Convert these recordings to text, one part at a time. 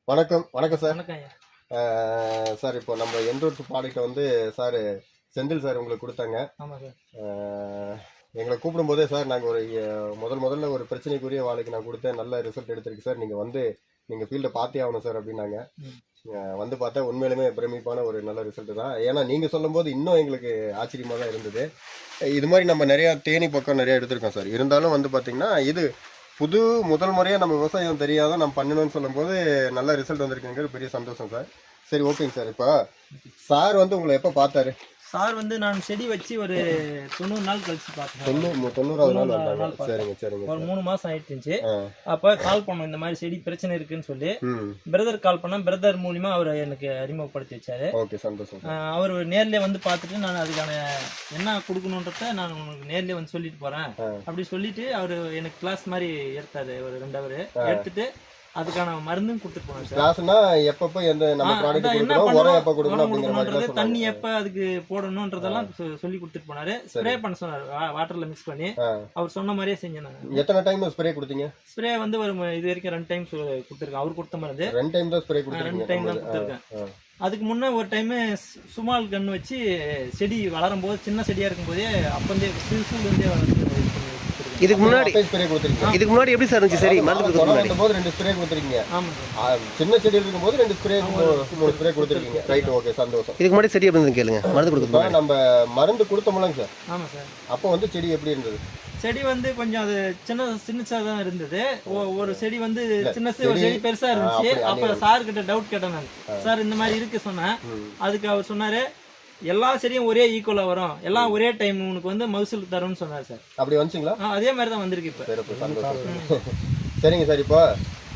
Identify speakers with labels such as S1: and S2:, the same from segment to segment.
S1: வணக்கம் வணக்கம் சார்.
S2: வணக்கம் ஐயா.
S1: சார் இப்போ நம்ம என்ரூட் ப்ராடக்ட்டை வந்து சார் செந்தில் சார் உங்களுக்கு கொடுத்தாங்க.
S2: ஆமாம் சார்.
S1: எங்களை கூப்பிடும்போதே சார் நாங்கள் ஒரு முதல்ல ஒரு பிரச்சனைக்குரிய வாழைக்கு நான் கொடுத்தேன், நல்ல ரிசல்ட் எடுத்திருக்கு சார், நீங்கள் வந்து நீங்கள் ஃபீல்டை பார்த்தே ஆகணும் சார் அப்படின்னாங்க. வந்து பார்த்தா உண்மையிலுமே பிரமிப்பான ஒரு நல்ல ரிசல்ட் தான். ஏன்னா நீங்கள் சொல்லும்போது இன்னும் எங்களுக்கு ஆச்சரியமாக தான் இருந்தது. இது மாதிரி நம்ம நிறையா தேனி பக்கம் நிறையா எடுத்திருக்கோம் சார். இருந்தாலும் வந்து பார்த்தீங்கன்னா இது முதல் முறையாக நம்ம விவசாயம் தெரியாத நம்ம பண்ணணும்னு சொல்லும்போது நல்ல ரிசல்ட் வந்திருக்குங்கிறது பெரிய சந்தோஷம் சார். சரி, ஓகேங்க சார். இப்போ சார் வந்து உங்களை எப்போ பார்த்தாரு?
S2: சார் வந்து நான் செடி வச்சு ஒரு 90 நாள் கழிச்சு பார்த்தேன்.
S1: 90வது நாள் வந்தாங்க. சரிங்க சரிங்க.
S2: ஒரு 3 மாசம் ஆயிடுச்சு. அப்போ கால் பண்ணோம், இந்த மாதிரி செடி பிரச்சனை இருக்குன்னு சொல்லி பிரதர் கால் பண்ண, பிரதர் மூலியமா அவர் எனக்கு அறிமுகப்படுத்தி வச்சாரு.
S1: ஓகே, சந்தோஷம்.
S2: அவர் நேர்ல வந்து பார்த்துட்டு நான் அதுக்கான என்ன கொடுக்கணுன்றத நான் உங்களுக்கு நேர்ல வந்து சொல்லிட்டு போறேன் அப்படி சொல்லிட்டு அவர் எனக்கு கிளாஸ் மாதிரி எடுத்தாரு. ஒரு 2 ஹவர் எடுத்துட்டு அதுக்கான மருந்தும் கொடுத்துட்டு போனேன் சார்.
S1: கிளாஸ்னா எப்பப்ப எந்த நம்ம ப்ராடக்ட் கொடுக்கணும், உரம் எப்ப கொடுக்கணும் அப்படிங்கற மாதிரி,
S2: தண்ணி எப்ப அதுக்கு போடணும்ன்றதெல்லாம் சொல்லி கொடுத்துட்டு போனாரு. ஸ்ப்ரே பண்ண சொன்னாரு, வாட்டர்ல மிக்ஸ் பண்ணி. அவர் சொன்ன மாதிரியே செஞ்சேன் நான்.
S1: எத்தனை டைம் ஸ்ப்ரே கொடுத்தீங்க?
S2: ஸ்ப்ரே வந்து ஒரு இது வரைக்கும் 2 டைம் கொடுத்துருக்கேன். அவர் கொடுத்த மருந்து
S1: 2 டைம் தான் ஸ்ப்ரே கொடுத்துருக்கீங்க.
S2: 2 டைம் தான் கொடுத்துருக்கேன். அதுக்கு முன்ன ஒரு டைம் சுமால் கன்று வச்சு செடி வளரும் போது, சின்ன செடியா இருக்கும் போதே அப்பந்தே சிறுசுலேருந்தே வளர்த்து.
S1: இதுக்கு முன்னாடி எப்படி சார் இருந்துச்சு? சரி, மருந்து கொடுக்கும் போது 2 ஸ்ப்ரே கொடுத்துருக்கீங்க. சின்ன செடி இருக்கும் போது 2 ஸ்ப்ரே 3 ஸ்ப்ரே கொடுத்துருக்கீங்க. ரைட், ஓகே, சந்தோஷம். இதுக்கு முன்னாடி செடி எப்படி கேளுங்க. மருந்து கொடுக்கும் நம்ம மருந்து கொடுத்தோம்லங்க சார்.
S2: ஆமா சார்.
S1: அப்போ வந்து செடி எப்படி இருந்தது?
S2: செடி வந்து கொஞ்சம் அது சின்னசா தான் இருந்தது. ஒரு செடி வந்து சின்னசு, ஒரு செடி பெருசா இருந்துச்சு. அப்ப சார் கிட்ட டவுட் கேட்டேன் நான். சார் இந்த மாதிரி இருக்கு சொன்னேன். அதுக்கு அவர் சொன்னாரு, எல்லா செடியும் ஒரே ஈக்குவலா வரும், எல்லாம் ஒரே டைம் உனக்கு வந்து மகசூல் தரும்னு சொன்னார் சார். அப்படி வந்துச்சுங்களா? அதே மாதிரி தான் வந்திருக்கு இப்ப.
S1: சரிங்க சார். இப்போ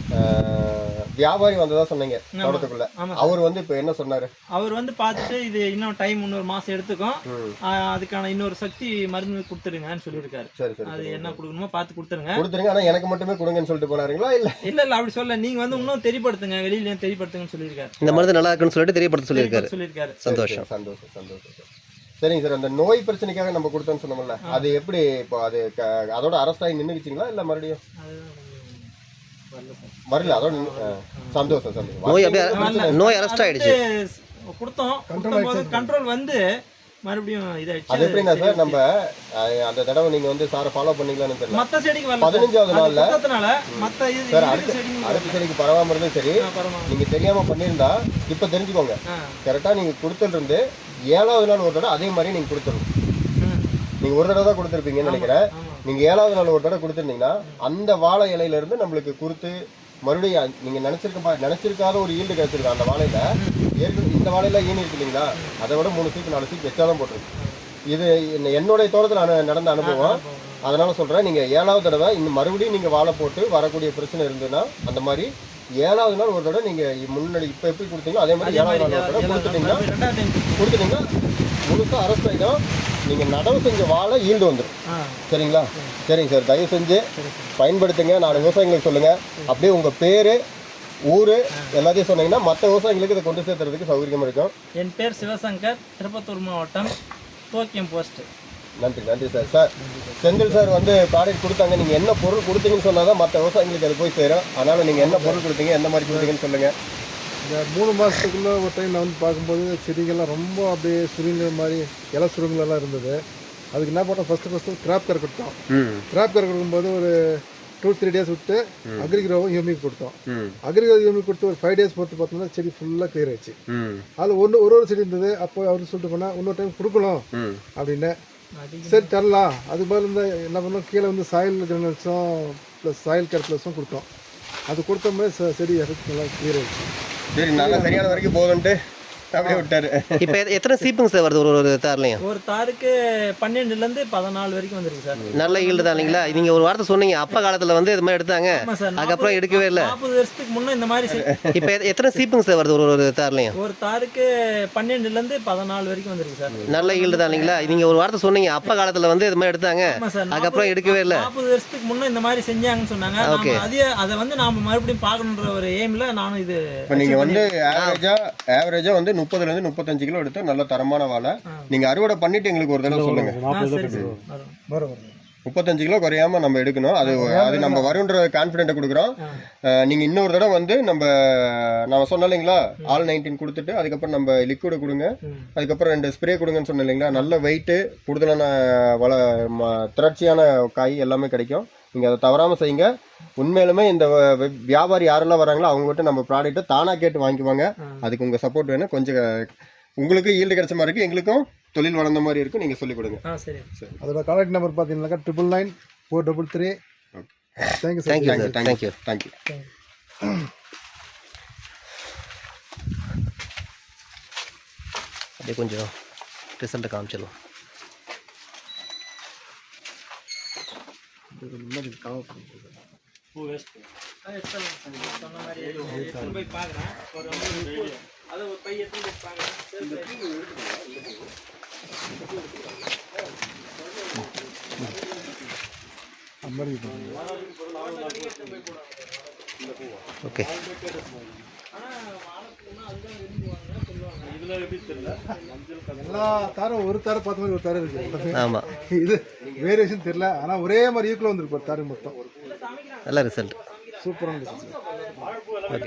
S1: வியாபாரி வந்ததா சொன்னீங்க தோட்டத்துக்குள்ள. அவர் வந்து இப்ப என்ன சொன்னாரு?
S2: அவர் வந்து பார்த்துட்டு இது இன்னும் டைம் இன்னொரு மாசம் எடுத்துக்கும், அதுக்கான இன்னொரு சக்தி மருந்து கொடுத்துருங்கன்னு சொல்லியிருக்காரு. அது என்ன கொடுக்கணுமோ பார்த்து கொடுத்துருங்க.
S1: ஆனா எனக்கு மட்டுமே கொடுங்கன்னு சொல்லிட்டு போனாருங்களா? இல்ல
S2: அப்படி சொல்ல, நீங்க வந்து இன்னும் தெரியப்படுத்துங்க, வெளியிலயும் தெரியப்படுத்துங்கன்னு சொல்லியிருக்காரு.
S3: இந்த மருந்து நல்லா இருக்குன்னு சொல்லிட்டு தெரியப்படுத்த சொல்லியிருக்காரு.
S1: சந்தோஷம் சந்தோஷம் சந்தோஷம். சரிங்க சார். அந்த நோய் பிரச்சனைக்காக நம்ம கொடுத்தோம்னு சொன்னோம்ல, அது எப்படி இப்போ அது அதோட அரெஸ்ட் ஆகி நின்றுச்சிங்களா இல்ல மறுபடியும் வரல? அதோட சந்தோஷம் சந்தோஷம்.
S3: நோய் அரெஸ்ட் ஆயிடுச்சு.
S2: கொடுத்தோம், கண்ட்ரோல் வந்து மறுபடியும் இதாயிடுச்சு.
S1: அது எப்படின்னா சார், நம்ம அந்த தடவை நீங்க வந்து சாரை ஃபாலோ பண்ணீங்களான்னு தெரியல.
S2: மத்த செடிக்கு வரல.
S1: 15வது நாள்ல
S2: மத்த இது
S1: சார் அடுத்த செடிக்கு பரவாம இருந்தும் சரி, நீங்க தெரியாம பண்ணியிருந்தா இப்ப தெரிஞ்சுக்கோங்க. கரெக்டா நீங்க கொடுத்துட்டு இருந்து 7வது நாள் ஒரு தடவை அதே மாதிரி நீங்க கொடுத்துடணும். நீங்க ஒரு தடவை தான் கொடுத்துருப்பீங்கன்னு நினைக்கிறேன். நீங்க 7வது நாள் ஒரு தடவை கொடுத்துருந்தீங்கன்னா அந்த வாழை இலையில இருந்து நம்மளுக்கு குறுத்து மறுபடியும் நீங்க நினைச்சிருக்காத ஒரு ஈல்டு கிடைச்சிருக்கோம். அந்த வாழையில இந்த வாழையில ஈனி இருக்கு இல்லைங்களா, அதை விட 3 சீக்கு 4 சீக்கு எச்சாதான் போட்டிருக்கு. இது என்னுடைய தோட்டத்தில் நடந்த அனுபவம். அதனால சொல்றேன், நீங்க 7வது தடவை இந்த மறுபடியும் நீங்க வாழை போட்டு வரக்கூடிய பிரச்சனை இருந்ததுன்னா அந்த மாதிரி 7வது நாள் ஒரு தடவை நீங்க முன்னாடி இப்ப எப்படி கொடுத்தீங்களோ அதே மாதிரி 7வது நாள் ஒரு தடவை கொடுத்துட்டீங்கன்னா முழுசா அரெஸ்ட் ஆகிடும். நீங்க நடவு செஞ்ச வாழை ஈல்டு வந்துடும். சரிங்களா? சரிங்க சார். தயவு செஞ்சு பயன்படுத்துங்க. 4 விவசாயிகளுக்கு சொல்லுங்க. அப்படியே உங்க பேரு, ஊரு எல்லாத்தையும் சொன்னீங்கன்னா மற்ற விவசாயிகளுக்கு இதை கொண்டு சேர்த்துறதுக்கு சௌகரியமா இருக்கும்.
S2: என் பேர் சிவசங்கர், திருப்பத்தூர் மாவட்டம், தோக்கியம் போஸ்ட்.
S1: நன்றி சார். சார் செந்தில் சார் வந்து ப்ராடக்ட் கொடுத்தாங்க. நீங்க என்ன பொருள் கொடுத்தீங்கன்னு சொன்னாதான் மற்ற விவசாயிகளுக்கு அது போய் சேரும். அதனால நீங்க என்ன பொருள் கொடுத்தீங்க, எந்த மாதிரி கொடுத்தீங்கன்னு சொல்லுங்க.
S4: இந்த 3 மாதத்துக்குள்ளே ஒரு டைம் நான் வந்து பார்க்கும்போது செடிகள்லாம் ரொம்ப அப்படியே சுருங்குற மாதிரி இலை சுருங்கலாம் இருந்தது. அதுக்கு என்ன பண்ணோம், ஃபஸ்ட்டு கிராப் கரை கொடுத்தோம். கிராப் கரை கொடுக்கும்போது ஒரு 2-3 டேஸ் விட்டு அக்ரிக்ரோவும் யூமிக் கொடுத்தோம். அக்ரிக்ரோ யூமிக் கொடுத்து ஒரு 5 டேஸ் பொறுத்து பார்த்தோம்னா செடி ஃபுல்லாக கிளியர் ஆயிடுச்சு. அதில் ஒரு செடி இருந்தது. அப்போ அவர் சொல்லிட்டு போனால் இன்னொரு டைம் கொடுக்கணும் அப்படின்னு. சரி தரலாம். அதுக்கு பதில் இருந்தால் என்ன பண்ணோம், கீழே வந்து சாயில் கிரானல்ஸும் ப்ளஸ் சாயில் கேர் ப்ளஸும் கொடுத்தோம். அது கொடுத்தோம்னா செடி எஃபெக்ட் நல்லா கிளியர் ஆயிடுச்சு.
S1: சரி, நல்லா சரியான வரைக்கும் போதுன்ட்டு அப்படியே விட்டாரு.
S3: இப்ப எத்தனை சீப்புங்க சார் வருது ஒரு தார்லையும்?
S2: ஒரு தாருக்கு 12லேருந்து 14 வரைக்கும் வந்துருக்கு சார்.
S3: நல்ல ஈல்டு தான் இல்லைங்களா? நீங்க ஒரு வார்த்தை சொன்னீங்க, அப்பா காலத்துல வந்து இது மாதிரி எடுத்தாங்க, அதுக்கப்புறம் எடுக்கவே இல்லை.
S2: 40 வருஷத்துக்கு முன்ன இந்த மாதிரி.
S3: இப்ப எத்தனை சீப்புங்க சார் வருது ஒரு தார்லையும்?
S2: ஒரு தாருக்கு 12லேருந்து 14 வரைக்கும் வந்துருக்கு சார்.
S3: நல்ல ஈல்டு தான் இல்லைங்களா? நீங்க ஒரு வார்த்தை சொன்னீங்க, அப்பா காலத்துல வந்து இது மாதிரி எடுத்தாங்க, அதுக்கப்புறம் எடுக்கவே இல்லை.
S2: 40 வருஷத்துக்கு முன்ன இந்த மாதிரி செஞ்சாங்கன்னு சொன்னாங்க. அதை வந்து நாம மறுபடியும் பார்க்கணுன்ற ஒரு எய்ம்ல நானும் இது.
S1: நீங்க வந்து ஆவரேஜா வந்து 30லேருந்து 35 கிலோ எடுத்து நல்ல தரமான வாழை. நீங்க அறுவடை பண்ணிட்டு எங்களுக்கு ஒரு தடவை சொல்லுங்க. 35 கிலோ குறையாம நம்ம எடுக்கணும். அது நம்ம வரும்ன்ற கான்ஃபிடென்ட்டை கொடுக்குறோம். நீங்க இன்னொரு தடவை வந்து நான் சொன்னேன் இல்லைங்களா, ஆல் 19 கொடுத்துட்டு அதுக்கப்புறம் நம்ம லிக்விட் கொடுங்க, அதுக்கப்புறம் 2 ஸ்ப்ரே கொடுங்கன்னு சொன்னேன் இல்லைங்களா. நல்ல வெயிட்டு, கூடுதலான திரட்சியான காய் எல்லாமே கிடைக்கும். நீங்க அதை தவறாம செய்யுங்க. உண்மையிலுமே இந்த வியாபாரி யாரெல்லாம் வராங்களோ அவங்ககிட்ட நம்ம ப்ராடக்ட்டை தானா கேட்டு வாங்கிக்குவாங்க. அதுக்கு உங்க சப்போர்ட் வேணும். கொஞ்சம் உங்களுக்கு ஈல்டு கிடைச்ச மாதிரி இருக்கு, எங்களுக்கும் தொழில் வளர்ந்த மாதிரி இருக்கும். நீங்க சொல்லிக் கொடுங்க.
S2: சரி.
S4: அதோட கான்டாக்ட் நம்பர் பார்த்தீங்கன்னாக்கா 999 433.
S3: தேங்க்யூ. அப்படியே கொஞ்சம் ரிசல்ட் காமிச்சிடலாம்.
S2: சொன்ன மாதிரி எடுத்துன்னு போய் பார்க்குறேன். அதை ஒரு பை எடுத்துன்னு போய் பார்க்குறேன்.
S3: ஓகே.
S4: எல்லா தாரும் ஒரு தாரம் பார்த்த மாதிரி ஒரு தாரம் இருக்கு.
S3: ஆமா,
S4: இது வேரியேஷன் தெரியல, ஆனா ஒரே மாதிரி ஈக்குவல் வந்துருக்கு தாரம் மொத்தம்.
S3: நல்ல ரிசல்ட்.
S4: சூப்பரான ரிசல்ட்.